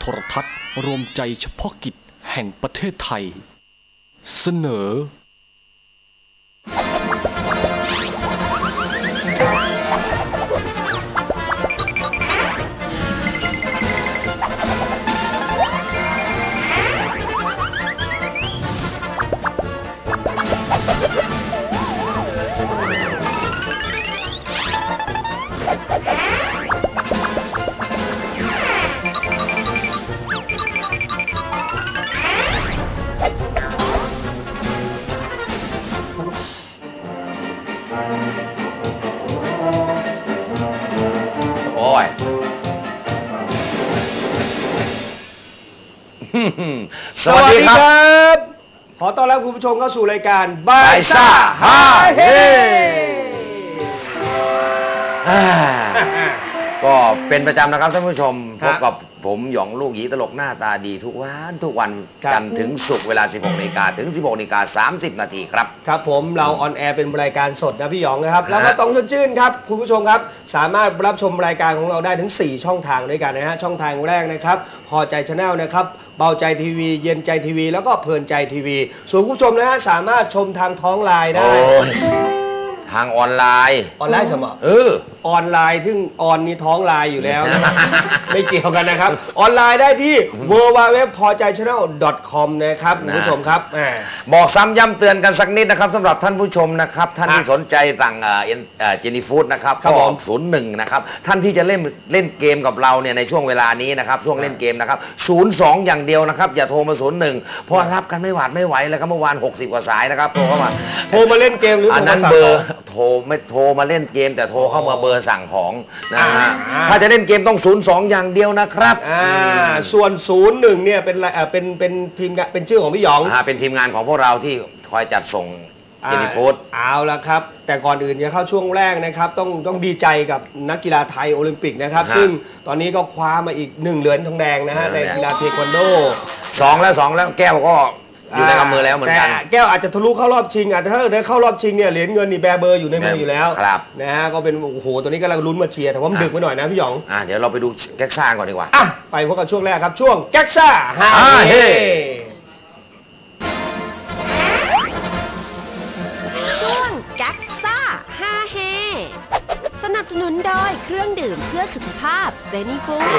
โทรทัศน์รวมใจเฉพาะกิจแห่งประเทศไทยเสนอสวัสดีครับขอต้อนรับคุณผู้ชมเข้าสู่รายการบายซ่าฮาเฮก็เป็นประจำนะครับท่านผู้ชมพบกับผมหยองลูกหยีตลกหน้าตาดีทุกวันจันทร์ถึงศุกร์เวลา 16 นาฬิกาถึง 16 นาฬิกา 30 นาทีครับครับผมเราออนแอร์เป็นรายการสดนะพี่หยองนะครับแล้วก็ต้องชื่นครับคุณผู้ชมครับสามารถรับชมรายการของเราได้ถึง4ช่องทางด้วยกันนะฮะช่องทางแรกนะครับพอใจชาแนลนะครับเบาใจทีวีเย็นใจทีวีแล้วก็เพลินใจทีวีส่วนคุณผู้ชมนะฮะสามารถชมทางท้องไลน์ได้ทางออนไลน์สมอออนไลน์ซึ่งออนนี่ท้องไลน์อยู่แล้วนะไม่เกี่ยวกันนะครับออนไลน์ได้ที่ www.pojaychannel.com นะครับคุณผู้ชมครับบอกซ้ำย้ำเตือนกันสักนิดนะครับสำหรับท่านผู้ชมนะครับท่านที่สนใจสั่งเจนี่ฟู้ดนะครับก็01นะครับท่านที่จะเล่นเกมกับเราเนี่ยในช่วงเวลานี้นะครับช่วงเล่นเกมนะครับ02อย่างเดียวนะครับอย่าโทรมา01เพราะรับกันไม่หวาดไม่ไหวเลยครับเมื่อวาน60 กว่าสายนะครับโทรเข้ามาเล่นเกมหรืออันนั้นเบอร์โทรมาเล่นเกมแต่โทรเข้ามาเบอร์สั่งของนะฮะถ้าจะเล่นเกมต้อง02อย่างเดียวนะครับส่วน01เนี่ยเป็นทีมเป็นชื่อของพี่หยองเป็นทีมงานของพวกเราที่คอยจัดส่งเจนี่ฟู้ดเอาละครับแต่ก่อนอื่นจะเข้าช่วงแรกนะครับต้องดีใจกับนักกีฬาไทยโอลิมปิกนะครับซึ่งตอนนี้ก็คว้ามาอีก1 เหรียญทองแดงนะฮะในกีฬาเทควันโด 2แล้วแก้วก็อยู่ในกำมือแล้วเหมือนกันแก้วอาจจะทะลุเข้ารอบชิงถ้าได้เข้ารอบชิงเนี่ยเหรียญเงินนี่แบเบอร์อยู่ในมืออยู่แล้วนะฮะก็เป็นโอ้โหตัวนี้กำลังลุ้นมาเชียร์แต่ว่ามันดึกไปหน่อยนะพี่หยองเดี๋ยวเราไปดูแก๊กซ่าก่อนดีกว่าไปพบกับช่วงแรกครับช่วงแก๊กซ่าฮาเฮช่วงแก๊กซ่าฮาเฮสนับสนุนโดยเครื่องดื่มเพื่อสุขภาพเจนี่ฟู้ด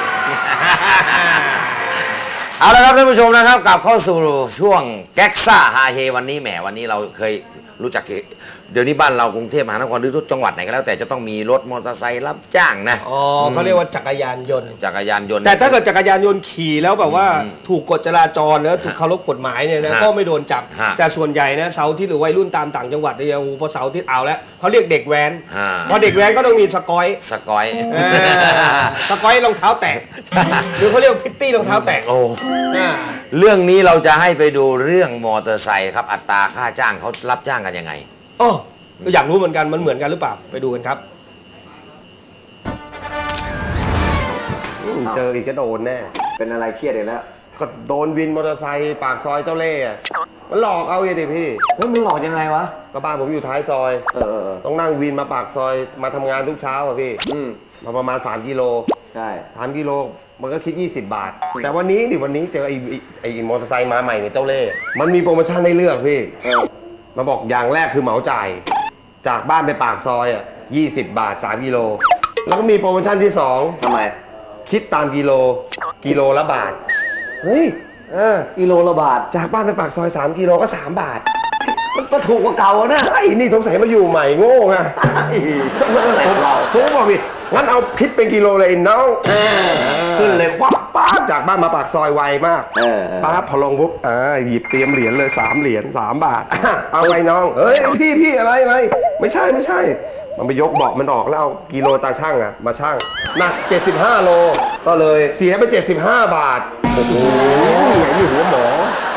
เอาละครับท่านผู้ชมนะครับกลับเข้าสู่ช่วงแก๊กซ่าฮาเฮวันนี้เราเคยรู้จักเดี๋ยวนี้บ้านเรากรุงเทพมหานครหรือทุกจังหวัดไหนก็แล้วแต่จะต้องมีรถมอเตอร์ไซค์รับจ้างนะเขาเรียกว่าจักรยานยนต์แต่ถ้าเกิดจักรยานยนต์ขี่แล้วแบบว่าถูกกฎจราจรแล้วถูกเคารพกฎหมายเนี่ยนะก็ไม่โดนจับแต่ส่วนใหญ่นะเสาร์อาทิตย์หรือวัยรุ่นตามต่างจังหวัดเนี่ยพอเสาร์อาทิตย์เอาแล้วเขาเรียกเด็กแว้นพอเด็กแว้นก็ต้องมีสกอยรองเท้าแตะหรือเขาเรียกพิตตี้รองเท้าแตะเรื่องนี้เราจะให้ไปดูเรื่องมอเตอร์ไซค์ครับอัตราค่าจ้างเขารับจ้างกันยังไงอยากรู้เหมือนกันมันเหมือนกันหรือเปล่าไปดูกันครับเจออีกก็โดนแน่เป็นอะไรเครียดอีกแล้วก็โดนวินมอเตอร์ไซค์ปากซอยเจ้าเล่ห์มันหลอกเอาเองดิพี่มันหลอกยังไงวะก็บ้านผมอยู่ท้ายซอยต้องนั่งวินมาปากซอยมาทำงานทุกเช้าพี่มาประมาณ3 กิโลใช่ 3 กิโลมันก็คิด20 บาทแต่วันนี้เจอไอ้มอเตอร์ไซค์มาใหม่เนี่ยเจ้าเล่ห์มันมีโปรโมชั่นให้เลือกพี่มาบอกอย่างแรกคือเหมาจ่ายจากบ้านไปปากซอย20 บาท3 กิโลแล้วก็มีโปรโมชั่นที่2 ทำไมคิดตามกิโลละบาทเฮ้ยกิโลละบาทจากบ้านไปปากซอย3 กิโลก็3 บาทมันก็ถูกกว่าเก่านะไอ้นี่สงสัยมาอยู่ใหม่โง่ไงผมบอกพี่งั้นเอาคิดเป็นกิโลเลยน้องขึ้นเลยป๊าบจากบ้านมาปากซอยไวมากป๊าบพอลงปุ๊บหยิบเตรียมเหรียญเลย3 เหรียญ3 บาทเอาไงน้องเฮ้ยพี่อะไรไม่ใช่มันไปยกเบาะมันออกแล้วเอากิโลตาช่างมาช่างหนัก75 โลก็เลยเสียไป75 บาทโอ้โหนี่หัวหมอ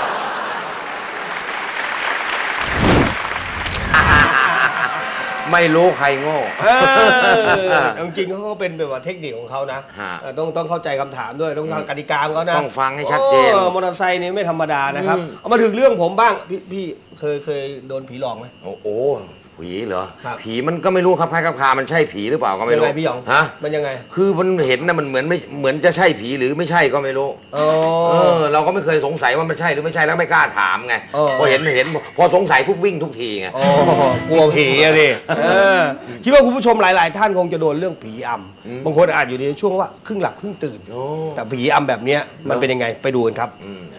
ไม่รู้ใครโง่จริงๆเขาก็เป็นแบบว่าเทคนิคของเขานะต้องเข้าใจคำถามด้วยต้องเข้าใจกติกาของเขานะต้องฟังให้ชัดเจนมอเตอร์ไซค์นี่ไม่ธรรมดานะครับเอามาถึงเรื่องผมบ้างพี่เคยโดนผีหลอกไหมโอ้ผีเหรอครับผีมันก็ไม่รู้ครับคล้ายๆคามันใช่ผีหรือเปล่าก็ไม่รู้ยังไงพี่หยองฮะมันยังไงคือมันเห็นนะมันเหมือนไม่เหมือนจะใช่ผีหรือไม่ใช่ก็ไม่รู้อ๋อเราก็ไม่เคยสงสัยว่ามันใช่หรือไม่ใช่แล้วไม่กล้าถามไง พอเห็นพอสงสัยปุ๊บวิ่งทุกทีไงอ๋อกลัวผีอะดิคิดว่าคุณผู้ชมหลาย ๆ ท่านคงจะโดนเรื่องผีอำบางคนอาจอยู่ในช่วงว่าครึ่งหลับครึ่งตื่นโอ้แต่ผีอำแบบเนี้ยมันเป็นยังไงไปดูกันครับ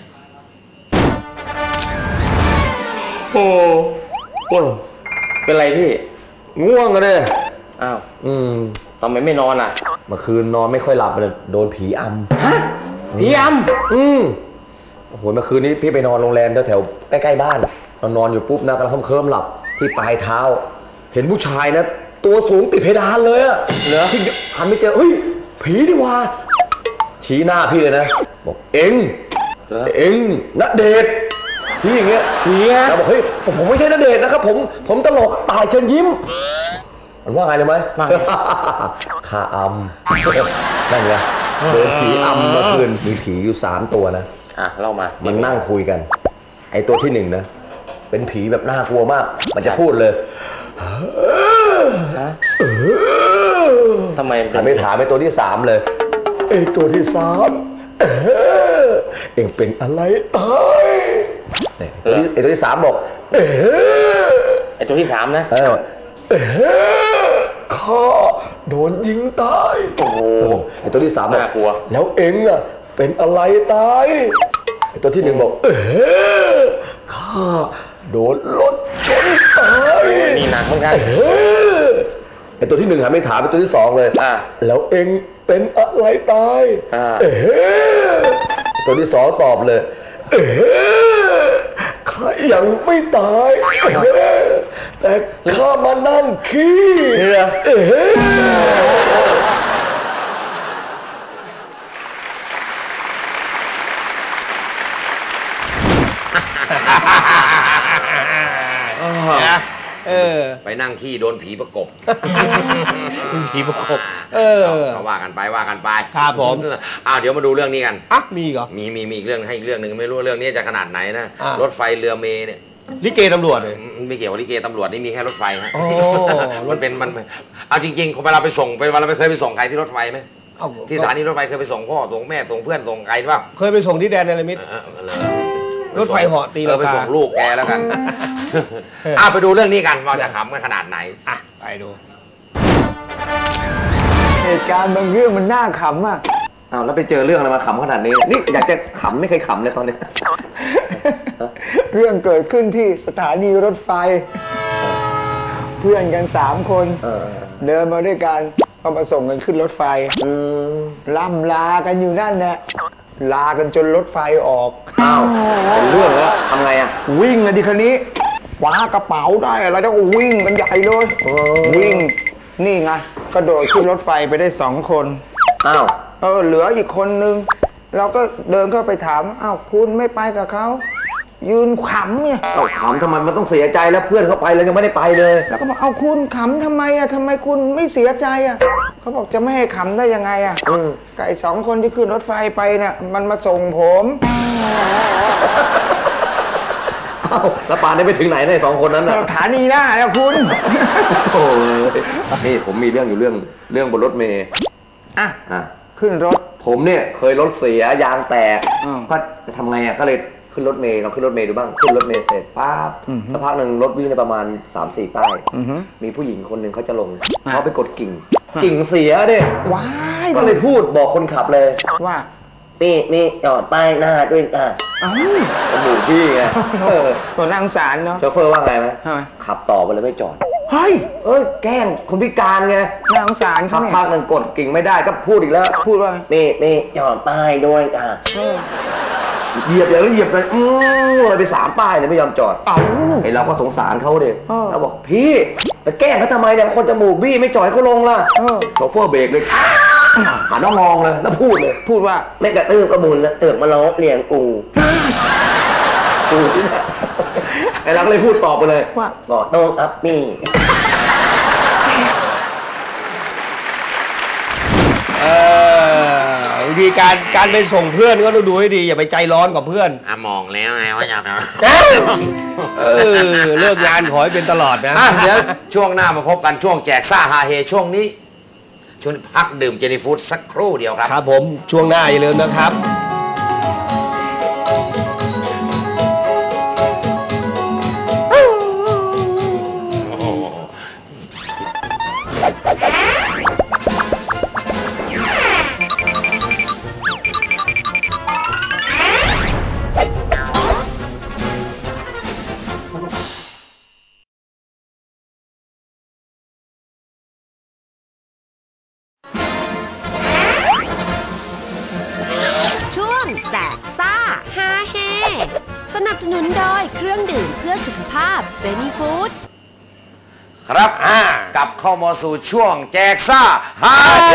โอ้โหเป็นไรพี่ง่วงกันเลยอ้าวทำไมไม่นอนอ่ะเมื่อคืนนอนไม่ค่อยหลับเลยโดนผีอำฮะ ผีอำโอ้โหเมื่อคืนนี้พี่ไปนอนโรงแรมแถวๆใกล้ๆบ้านนอนอยู่ปุ๊บนะกำลังเคลิ้มหลับที่ปลายเท้า เห็นผู้ชายนะตัวสูงติดเพดานเลยอะเหรอที่หันไปเจอเฮ้ยผีดีว่าชี้หน้าพี่เลยนะบอกเอ็งณเดชน์ที่อย่างเงี้ยผีแล้วบอกเฮ้ยผมไม่ใช่ณเดชน์นะครับผมตลกตายเชิญยิ้มมันว่าไงเลยไหมข้าอำนั่นไงโดนผีอำเมื่อคืนมีผีอยู่3 ตัวนะเล่ามามันนั่งคุยกัน ไอ้ตัวที่1นะเป็นผีแบบน่ากลัวมาก มันจะพูดเลยทำไมไม่ถามไอ้ตัวที่3เลยไอ้ตัวที่3เอ็งเป็นอะไรตายไอ้ตัวที่3บอกไอ้ตัวที่3นะข้าโดนยิงตายโอ้โหไอ้ตัวที่3บอกน่ากลัวแล้วเอ็งอะเป็นอะไรตายไอ้ตัวที่1บอกข้าโดนรถชนตายนี่หนักเหมือนกันไอ้ตัวที่1หันไม่ถามไอ้ตัวที่2เลยแล้วเอ็งเป็นอะไรตายไอ้ตัวที่2ตอบเลยข้ายังไม่ตายแต่ข้ามานั่งขี้ไปนั่งขี้โดนผีประกบผีประกบเขาว่ากันไปครับผมเดี๋ยวมาดูเรื่องนี้กันมีเหรอมีอีกเรื่องให้อีกเรื่องหนึ่งไม่รู้เรื่องนี้จะขนาดไหนนะรถไฟเรือเมล์เนี่ยลิเกตำรวจเลยไม่เกี่ยวกับลิเกตำรวจนี่มีแค่รถไฟฮะอ๋อมันเอาจริงๆเวลาไปส่งเคยไปส่งใครที่รถไฟไหมที่สถานีรถไฟเคยไปส่งพ่อส่งแม่ส่งเพื่อนส่งใครบ้างเคยไปส่งที่แดนเนรมิตรถไฟเหาะตีลังกาไปส่งลูกแกแล้วกันไปดูเรื่องนี้กันว่าจะขำกันขนาดไหนไปดูเหตุการณ์บางเรื่องมันน่าขำอ่ะแล้วไปเจอเรื่องอะไรมาขำขนาดนี้นี่อยากจะขำไม่เคยขำเลยตอนนี้เรื่องเกิดขึ้นที่สถานีรถไฟ เพื่อนกัน3 คนเดินมาด้วยกันก็มาส่งกันขึ้นรถไฟล่ำลากันอยู่นั่นแหละลากันจนรถไฟออกเป็นเรื่องแล้วทำไงวิ่งกันดิคันนี้คว้ากระเป๋าได้อะไรแล้วก็วิ่งกันใหญ่เลยวิ่งนี่ไงกระโดดขึ้นรถไฟไปได้2 คนเหลืออีกคนนึงเราก็เดินเข้าไปถามคุณไม่ไปกับเขายืนขำเนี่ยขำทำไมมันต้องเสียใจแล้วเพื่อนเขาไปแล้วยังไม่ได้ไปเลยแล้วก็บอกคุณขำทำไมทำไมคุณไม่เสียใจเขาบอกจะไม่ให้ขำได้ยังไงกับไอ้2 คนที่ขึ้นรถไฟไปเนี่ยมันมาส่งผมแล้วป่านนี้ไปถึงไหนใน2 คนนั้นสถานีหน้าแล้วคุณโอ้ยนี่ผมมีเรื่องอยู่เรื่องบนรถเมล์ขึ้นรถผมเนี่ยเคยรถเสียยางแตกก็จะทำไงก็เลยขึ้นรถเมล์เราขึ้นรถเมล์ดูบ้างขึ้นรถเมล์เสร็จปั๊บสักพักหนึ่งรถวิ่งในประมาณ 3-4 ป้ายมีผู้หญิงคนหนึ่งเขาจะลงเขาไปกดกิ่งเสียเด้ว้ายก็เลยพูดบอกคนขับเลยว่านี่จอดป้ายหน้าด้วยจมูกพี่ไงตัวนั่งสารเนาะโชเฟอร์ว่าไงไหมขับต่อไปเลยไม่จอดเฮ้ยแกล้งคนพิการไงนั่งสารเขาเนี่ยพักหนึ่งกดกิ่งไม่ได้ก็พูดอีกแล้วพูดว่านี่จอดป้ายด้วยเหยียบอย่างนี้เหยียบเลยเลยไป3 ป้ายเลยไม่ยอมจอดไอเราก็สงสารเขาเด็กเราบอกพี่ไปแกล้งเขาทำไมเนี่ยคนจมูกบี้ไม่จอดเขาลงล่ะโชเฟอร์เบรกเลยหันมามองเลยแล้วพูดว่าไม่กระตื้อกระมุนนะเตือกมาล้อเลียงกูที่นี่ไอ้เราก็เลยพูดตอบไปเลยว่าบอกโต้ครับนี่บางทีการไปส่งเพื่อนก็ต้องดูให้ดีอย่าไปใจร้อนกับเพื่อนมองแล้วไงว่าอยากเลิกงานขอให้เป็นตลอดนะเดี๋ยวช่วงหน้ามาพบกันช่วงแจกซ่าฮาเฮช่วงนี้พักดื่มเจนี่ฟู้ดสักครู่เดียวครับครับผมช่วงหน้าอย่าลืมนะครับแจกซ่าฮาเฮสนับสนุนโดยเครื่องดื่มเพื่อสุขภาพเจนี่ฟู้ดครับกลับเข้ามาสู่ช่วงแจกซ่าฮาเฮ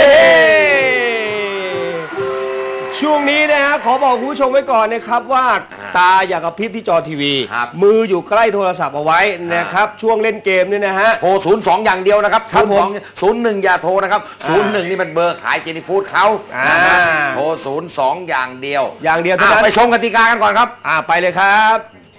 ช่วงนี้นะฮะขอบอกคุณผู้ชมไว้ก่อนนะครับว่าตาอย่ากระพริบที่จอทีวีมืออยู่ใกล้โทรศัพท์เอาไว้นะครับช่วงเล่นเกมนี่นะฮะโทร02อย่างเดียวนะครับ01อย่าโทรนะครับ01นี่มันเบอร์ขายเจนี่ฟู้ดเขาโทร02อย่างเดียวเท่านั้นไปชมกติกากันก่อนครับไปเลยครับ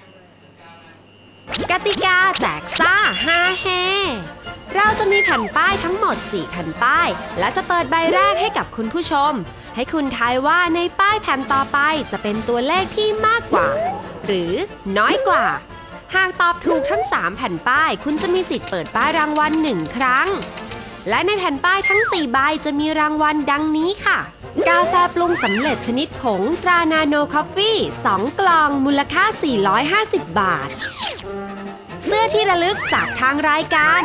กติกาแจกซ่าฮาเฮเราจะมีแผ่นป้ายทั้งหมด4แผ่นป้ายและจะเปิดใบแรกให้กับคุณผู้ชมให้คุณทายว่าในป้ายแผ่นต่อไปจะเป็นตัวเลขที่มากกว่าหรือน้อยกว่าหากตอบถูกทั้ง3แผ่นป้ายคุณจะมีสิทธิ์เปิดป้ายรางวัล1ครั้งและในแผ่นป้ายทั้ง4ใบจะมีรางวัลดังนี้ค่ะกาแฟปรุงสำเร็จชนิดผงตรานาโนคอฟฟี่2กล่องมูลค่า450 บาทเสื้อที่ระลึกจากทางรายการ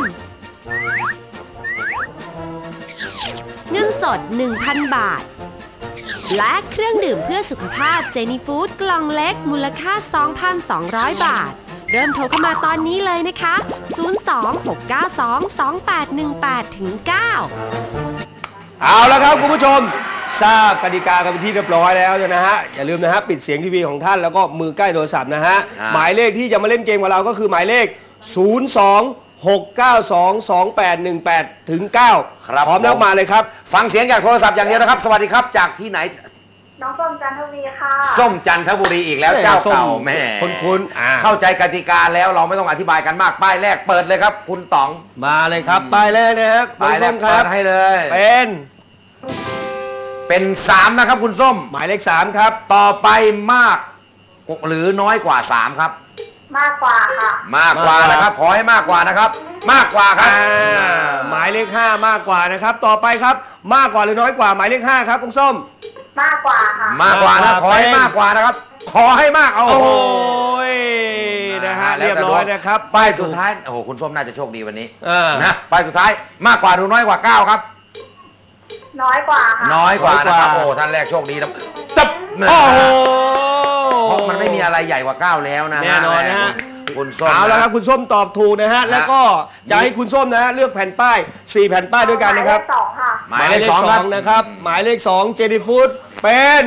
เงินสด 1,000 บาทและเครื่องดื่มเพื่อสุขภาพเจนี่ฟู้ดกล่องเล็กมูลค่า 2,200 บาทเริ่มโทรเข้ามาตอนนี้เลยนะคะ026922818-9 เอาแล้วครับคุณผู้ชมทราบกติกากันเป็นที่เรียบร้อยแล้วนะฮะอย่าลืมนะฮะปิดเสียงทีวีของท่านแล้วก็มือใกล้โทรศัพท์นะฮะหมายเลขที่จะมาเล่นเกมกับเราก็คือหมายเลข026922818-9 ครับพร้อมแล้วมาเลยครับฟังเสียงจากโทรศัพท์อย่างเดียวนะครับสวัสดีครับจากที่ไหนน้องส้มจันทบุรีค่ะส้มจันทบุรีอีกแล้วเจ้าเก่าแม่คุณเข้าใจกติกาแล้วเราไม่ต้องอธิบายกันมากป้ายแรกเปิดเลยครับคุณต๋องมาเลยครับป้ายแรกนะครับป้ายแรกเปิดให้เลยเป็น3นะครับคุณส้มหมายเลข3ครับต่อไปมากหรือน้อยกว่า3ครับมากกว่าค่ะมากกว่านะครับขอให้มากกว่านะครับมากกว่าครับหมายเลข5มากกว่านะครับต่อไปครับมากกว่าหรือน้อยกว่าหมายเลข5ครับคุณส้มมากกว่าค่ะมากกว่านะขอให้มากกว่านะครับขอให้มากโอ้โหนะฮะเรียบร้อยนะครับป้ายสุดท้ายโอ้โหคุณส้มน่าจะโชคดีวันนี้นะป้ายสุดท้ายมากกว่าหรือน้อยกว่า9ครับน้อยกว่าค่ะน้อยกว่านะครับโอ้ท่านแรกโชคดีนะจับโอ้โหเพราะมันไม่มีอะไรใหญ่กว่า9แล้วนะแน่นอนนะฮะคุณส้มเอาแล้วครับคุณส้มตอบถูกนะฮะแล้วก็จะให้คุณส้มนะฮะเลือกแผ่นป้าย4แผ่นป้ายด้วยกันนะครับหมายเลข 2ค่ะหมายเลข2นะครับหมายเลข2เจนี่ฟู้ดเป็น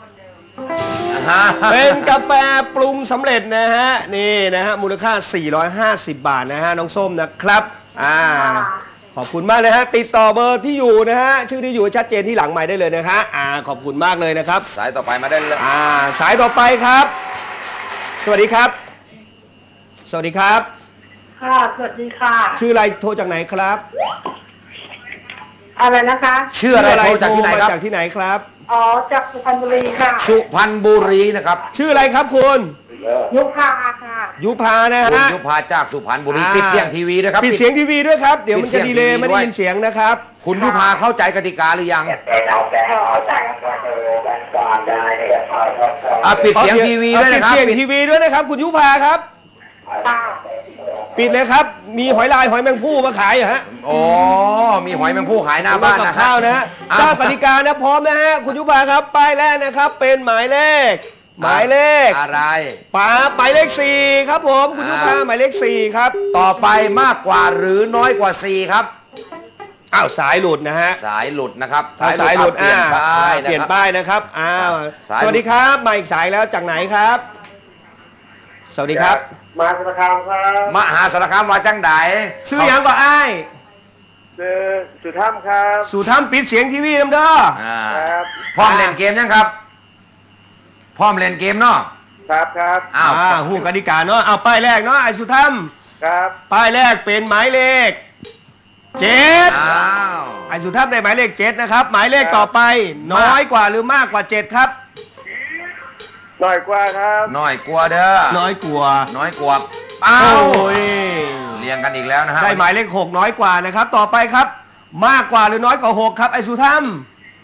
กาแฟปรุงสำเร็จนะฮะนี่นะฮะมูลค่า450 บาทนะฮะน้องส้มนะครับขอบคุณมากเลยฮะติดต่อเบอร์ที่อยู่นะฮะชื่อที่อยู่ชัดเจนที่หลังไมค์ได้เลยนะฮะขอบคุณมากเลยนะครับสายต่อไปมาได้เลยสายต่อไปครับสวัสดีครับสวัสดีครับค่ะสวัสดีค่ะชื่ออะไรโทรจากไหนครับอะไรนะคะชื่ออะไรโทรจากที่ไหนครับจากที่ไหนครับจากสุพรรณบุรีค่ะสุพรรณบุรีนะครับชื่ออะไรครับคุณยุพาค่ะยุพานะฮะยุพาจากสุพรรณบุรีปิดเสียงทีวีด้วยครับปิดเสียงทีวีด้วยครับเดี๋ยวมันจะดีเลย์ไม่ได้ยินเสียงนะครับคุณยุพาเข้าใจกติกาหรือยังปิดเสียงทีวีด้วยนะครับปิดเสียงทีวีด้วยนะครับคุณยุพาครับปิดเลยครับมีหอยลายหอยแมงภู่มาขายเหรอฮะมีหอยแมงภู่ขายหน้าบ้านกับข้าวนะฮะทราบกติกานะพร้อมนะฮะคุณยุพาครับป้ายแรกนะครับเป็นหมายเลขอะไรหมายเลข4ครับผมคุณยุพาหมายเลข4ครับต่อไปมากกว่าหรือน้อยกว่า4ครับสายหลุดนะฮะสายหลุดนะครับสายหลุดเปลี่ยนป้ายนะครับสวัสดีครับมาอีกสายแล้วจากไหนครับสวัสดีครับมหาสารคามครับมหาสารคามว่าจังไดชื่อยังก็อ้ายชื่อสุธรรมครับสู่ถ้ำปิดเสียงทีวีน้ำเด้อครับพร้อมเล่นเกมยังครับ พร้อมเล่นเกมเนาะครับครับอ้าวหูกติกาเนาะเอาป้ายแรกเนาะไอ้สุถ้ครับำป้ายแรกเป็นหมายเลข7 อ้าวไอ้สุถ้ำได้หมายเลข7นะครับหมายเลขต่อไปน้อยกว่าหรือมากกว่า7ครับหน่อยกว่าครับน้อยกลัวเด้อน้อยกว่าน้อยกว่าอ้าโอ้วย เรียงกันอีกแล้วนะฮะได้หมายเลข6น้อยกว่านะครับ ต่อไปครับ มากกว่าหรือน้อยกว่า6ครับไอ้สุถ้ำ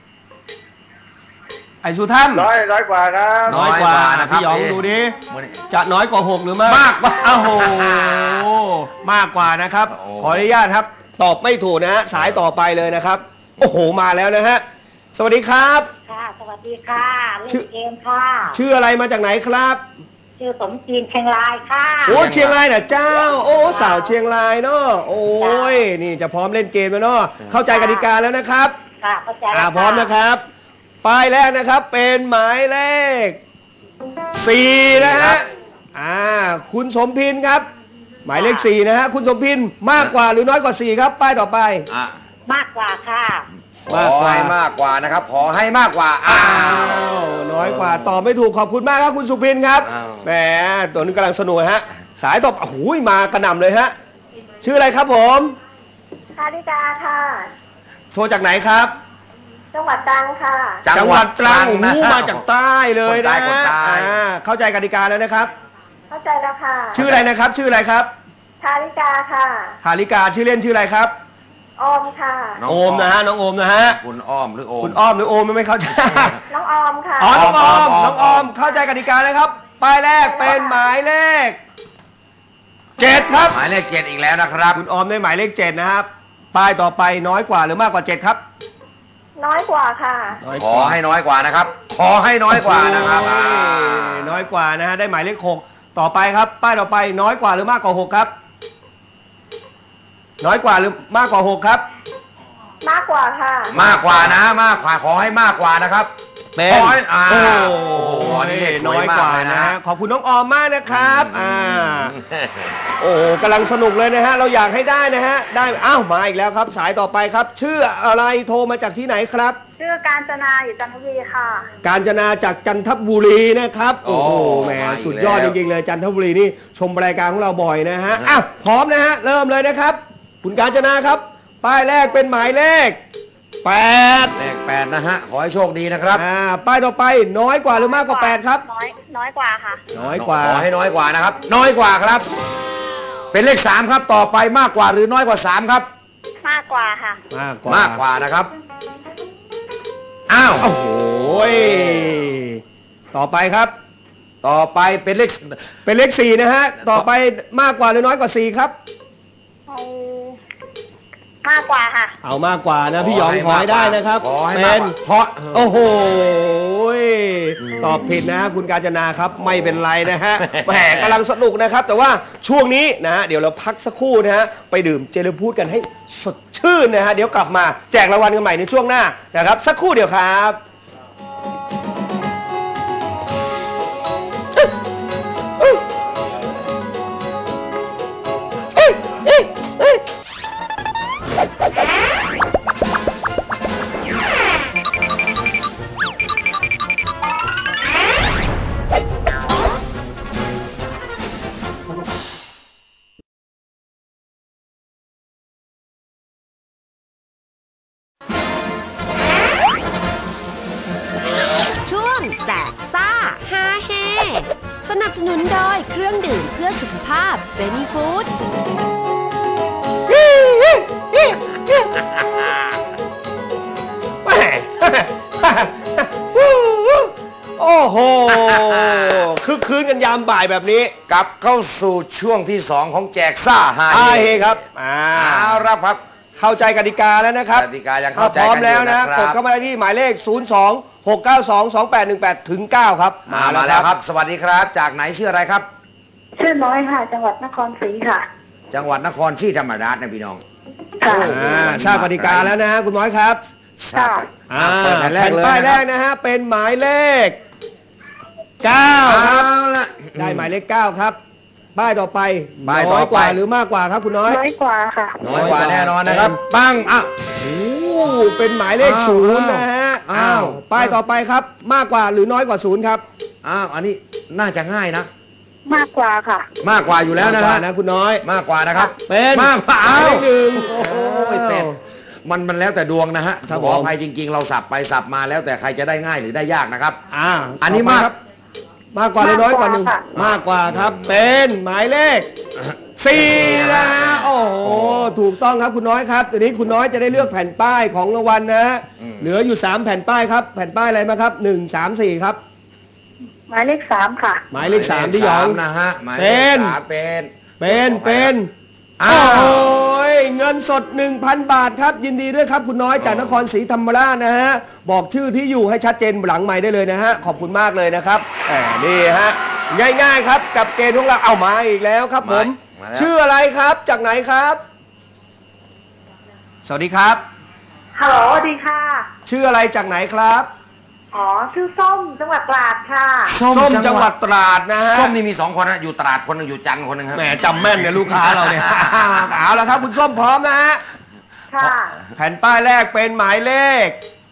ไอ้สุถ้ำน้อยกว่าครับน้อยกว่านะพี่หยองดูดิจะน้อยกว่า6หรือมากกว่าโอ้โหมากกว่านะครับโอ้ขออนุญาตครับ ตอบไม่ถูกนะฮะสายต่อไปเลยนะครับ โอ้โหมาแล้วนะฮะสวัสดีครับค่ะ สวัสดีค่ะ เล่ชื่อนเกมค่ะชื่ออะไรมาจากไหนครับชื่อสมจีนเชียงรายค่ะโอ้เชียงรายน่ะเจ้า โอ้สาวเชียงรายเนาะโอ้ยนี่จะพร้อมเล่นเกมแล้วเนาะเข้าใจกติกาแล้วนะครับค่ะเข้าใจแล้วพร้อมนะครับป้ายแรกนะครับเป็นหมายเลข4นะฮะคุณสมพินครับ หมายเลข4นะฮะคุณสมพินมากกว่าหรือน้อยกว่า4ครับป้ายต่อไปอ่ะมากกว่าค่ะขอให้มากกว่านะครับ ขอให้มากกว่าอ้าวน้อยกว่าตอบไม่ถูกขอบคุณมากครับคุณสุพินครับอ้าวแหมตัวนี้กำลังสนุกฮะสายตอบโอ้โหมากระหน่ำเลยฮะชื่ออะไรครับผมคาริกาค่ะโทรจากไหนครับจังหวัดตรังค่ะจังหวัดตรังโอ้โหนะมาจากใต้เลยนะคนใต้เข้าใจกติกาแล้วนะครับเข้าใจแล้วค่ะชื่ออะไรนะครับ ชื่ออะไรครับคาริกาค่ะคาริกาชื่อเล่นชื่ออะไรครับออมค่ะน้งโอมนะฮะน้องโอมนะฮะคุณอ้อมหรือโอมคุณอ้อมหรือโอมไม่เข้าใจน้องออมค่ะอ๋อน้องออมออมน้องออมเข้าใจกติกานะครับป้ายแรกเป็นหมายเลข7ครับหมายเลข7อีกแล้วนะครับคุณออมได้หมายเลข7นะครับป้ายต่อไปน้อยกว่าหรือมากกว่า7ครับน้อยกว่าค่ะขอให้น้อยกว่านะครับ ขอให้น้อยกว่านะครับโอ้ยน้อยกว่านะฮะได้หมายเลข6ต่อไปครับ ป้ายต่อไปน้อยกว่าหรือมากกว่า6ครับ น้อยกว่าหรือมากกว่า6ครับมากกว่าค่ะมากกว่านะ มากกว่าขอให้มากกว่านะครับเป็นขอให้โอ้โอ้โหนี่เลขสน้วอยมกว่าเลนะฮะขอบคุณน้องออมมากนะครับโอ้โหกำลังสนุกเลยนะฮะเราอยากให้ได้นะฮะได้อ้าวมาอีกแล้วครับ สายต่อไปครับ ชื่ออะไรโทรมาจากที่ไหนครับชื่อการจนาอยู่จันทบุรีค่ะกาญจนาจากจันทบุรีนะครับ โอ้โหโอ้แหมมาอีกสุดยอดแล้จวริงๆเลยจันทบุรีนี่ชมรายการของเราบ่อยนะฮะอ้าวพร้อมนะฮะเริ่มเลยนะครับ คุณกาญจนาครับ ป้ายแรกเป็นหมายเลข8 เลข8นะฮะ ขอให้โชคดีนะครับป้ายต่อไปน้อยกว่าหรือมากกว่า8ครับน้อยกว่าค่ะน้อยกว่าขอให้น้อยกว่านะครับ น้อยกว่าครับ เป็นเลข3ครับ ต่อไปมากกว่าหรือน้อยกว่า3ครับมากกว่าค่ะมากกว่ามากกว่านะครับ อ้าวโอ้โหยต่อไปครับต่อไปเป็นเลขเป็นเลข4นะฮะ ต่อไปมากกว่าหรือน้อยกว่า4ครับเอามากกว่าค่ะเอามากกว่านะพี่หยองขอให้ได้นะครับขอให้เป็มากนกว่าเพราะโอ้โหยตอบผิดนะคุณกาญจนาครับ ไม่เป็นไรนะฮะ แหมกำลังสนุกนะครับ แต่ว่าช่วงนี้นะฮะเดี๋ยวเราพักสักครู่นะฮะไปดื่มเจลพูดกันให้สดชื่นนะฮะเดี๋ยวกลับมาแจกรางวัลกันใหม่ในช่วงหน้านะครับ สักครู่เดียวครับช่วงแจกซ่าฮาเฮสนับสนุนโดยเครื่องดื่มเพื่อสุขภาพเจนี่ฟู้ดแหม่ โอ้โหคึกคืนกันยามบ่ายแบบนี้กลับเข้าสู่ช่วงที่ 2 ของแจกซ่าฮาอาเฮเฮครับเอาละครับเข้าใจกติกาแล้วนะครับกติกายังเข้าใจถ้พร้อมแล้วกันอยู่นะนะครับกดเข้ามาที่หมายเลข 02-692-2818ถึง9ครับมาแล้วครับ สวัสดีครับ จากไหนชื่ออะไรครับชื่อน้อยค่ะ จังหวัดนครศรีค่ะจังหวัดนครศรีธรรมราชนะพี่น้องค่ะทราบกติกาแล้วนะฮะคุณน้อยครับค่ะเปิดแผ่นแรกแผ่นเลยป้ายแรกนะนะฮะเป็นหมายเลข9ครับเอาละได้หมายเลข9ครับป้ายต่อไปป้ายต่อไปน้อยกว่าหรือมากกว่าครับคุณน้อยน้อยกว่าค่ะน้อยกว่าแน่นอนนะครับปังอ่ะโอ้เป็นหมายเลขอ้าวศูนย์นะฮะอ้าวป้ายต่อไปครับ มากกว่าหรือน้อยกว่าศูนย์ครับอ้าวอันนี้น่าจะง่ายนะมากกว่าค่ะมากกว่าอยู่แล้วนะมากกฮะว่านะคุณน้อยมากกว่านะครับเป็นมากกว่าหมายเลขหนึ่งโอ้โหเป็ดมันแล้วแต่ดวงนะฮะครับขอผมอภัยจริง ๆ เราสับไปสับมาแล้วแต่ใครจะได้ง่ายหรือได้ยากนะครับอันนี้ต่อไปมากครับมากกว่าหรือน้อยกว่าหนึ่งมากกว่าค่ะมากกว่าครับ เป็นหมายเลข สี่นะฮะโอ้โหถูกต้องครับคุณน้อยครับทีนี้คุณน้อยจะได้เลือกแผ่นป้ายของรางวัลนะฮะอืมเหลืออยู่3แผ่นป้ายครับ แผ่นป้ายอะไรมาครับ1 3 4ครับหมายเลขสามค่ะหมายเลข3ที่หยองสามนะฮะหมายเลเป็ขนสามเป็นเป็นอ้าวโอ้ยเงินสด 1,000 บาทครับ ยินดีด้วยครับคุณน้อยจากนครศรีธรรมราชนะฮะบอกชื่อที่อยู่ให้ชัดเจนหลังไมค์ได้เลยนะฮะขอบคุณมากเลยนะครับนี่ฮะง่ายๆครับกับเกณฑ์ของเราเอามาอีกแล้วครับผมมาแล้วชื่ออะไรครับจากไหนครับ สวัสดีครับฮัลโหลสวัสดีค่ะชื่ออะไรจากไหนครับอ๋อ ชื่อส้ม จังหวัดตราดค่ะส้มจังหวัดตราดนะฮะส้มนี่มี2 คนนะอยู่ตราดคนหนึงอยู่จันทร์คนหนึงครับแหมจำแม่นเนี่ยลูกค้าเราเนี่ย เอาละครับ คุณส้มพร้อมนะฮะค่ะแผ่นป้ายแรกเป็นหมายเลข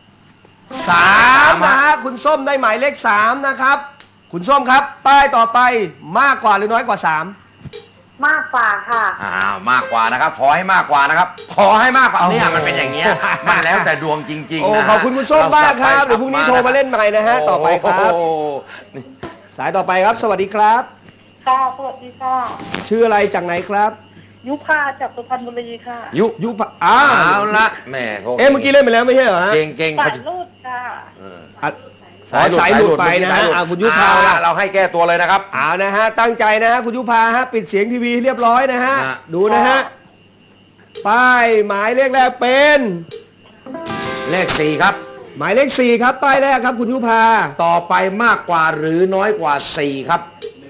3นะฮะคุณส้มได้หมายเลข3นะครับ คุณส้มครับ ป้ายต่อไปมากกว่าหรือน้อยกว่า3 มากกว่าค่ะอ้าวมากกว่านะครับ ขอให้มากกว่านะครับ ขอให้มากกว่าเนี่ยมันเป็นอย่างเงี้ยมันแล้วแต่ดวงจริงโอ้ๆนะฮะขอบคุณคุณส้มมากครับเดี๋ยวพรุ่งนี้โทรมาเล่นใหม่นะฮะต่อไปครับโอ้โหนี่สายต่อไปครับ สวัสดีครับค่ะ สวัสดีค่ะชื่ออะไรจากไหนครับยุพาจากสุพรรณบุรีค่ะยุพเอาละแหม่โทรเมื่อกี้เล่นไปแล้วไม่ใช่เหรอฮะเก่งๆสาเขายรูดค่ะเอออ่ะสายหลุดไปนะฮะคุณยุพาเอละเราให้แก้ตัวเลยนะครับเอานะฮะตั้งใจนะฮะคุณยุพาฮะปิดเสียงทีวีเรียบร้อยนะฮะฮะดูนะฮะป้ายหมายเลขแรกเป็นเลข4ครับหมายเลข4ครับป้ายแรกครับคุณยุพาต่อไปมากกว่าหรือน้อยกว่า4ครับ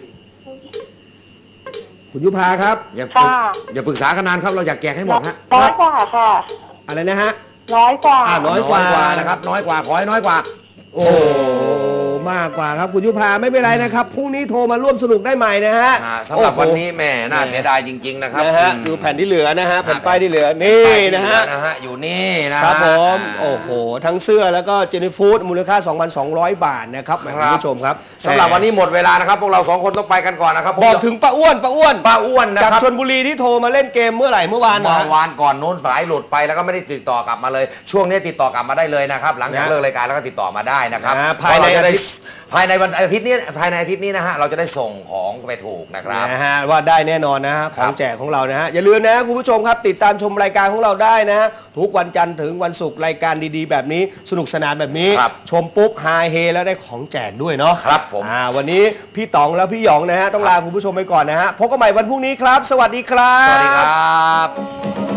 คุณยุพาครับอย่าปรึกค่ะอย่าปรึกษากันนานครับ เราอยากแจกให้หมดฮะน้อยกว่าค่ะอะไรนะฮะน้อยกว่าน้อยกว่านะครับ น้อยกว่าขอให้น้อยกว่าโอ้มากกว่าครับคุณยุพาไม่เป็นไรนะครับพรุ่งนี้โทรมาร่วมสนุกได้ใหม่นะฮะสำหรับโอ้โวันนี้แหม่น่าเสียดายจริง ๆ นะครับนะฮะดูแผ่นที่เหลือนะฮะแผ่นป้ายที่เหลือนี่นะฮะอยู่นี่นะฮะครับผมาโอ้โหทั้งเสื้อแล้วก็เจนี่ฟู้ดมูลค่า 2,200 บาทนะครับแหมคุณผู้ชมครับสำหรับวันนี้หมดเวลานะครับ พวกเรา2 คนต้องไปกันก่อนนะครับบอกถึงป้าอ้วนป้าอ้วนนะจากครับชลบุรีที่โทรมาเล่นเกมเมื่อไหร่เมื่อวานเมื่นะอวานก่อนโน้นสายหลุดไปแล้วก็ไม่ได้ติดต่อกลับมาเลย ช่วงนี้ติดต่อกลับมาได้เลยนะครับ หลังจากนะเลิกรายการแล้วก็ติดต่อมาได้นะครับภายในเพระเรจะได้อาทิตย์ภายในวันอาทิตย์นี้นะฮะเราจะได้ส่งของไปถูกนะครับนะฮะว่าได้แน่นอนนะฮะขครัองบแจกของเรานะฮะอย่าลืมนะคุณผู้ชมครับติดตามชมรายการของเราได้นะฮะทุกวันจันทร์ถึงวันศุกร์รายการดีๆ แบบนี้สนุกสนานแบบนี้ครับชมปุ๊บฮาเฮแล้วได้ของแจกด้วยเนาะครับผมวันนี้พี่ต๋องและพี่หยองนะฮะต้องลาคุณผู้ชมไปก่อนนะฮะพบกันใหม่วันพรุ่งนี้ครับ สวัสดีครับสวัสดีครับ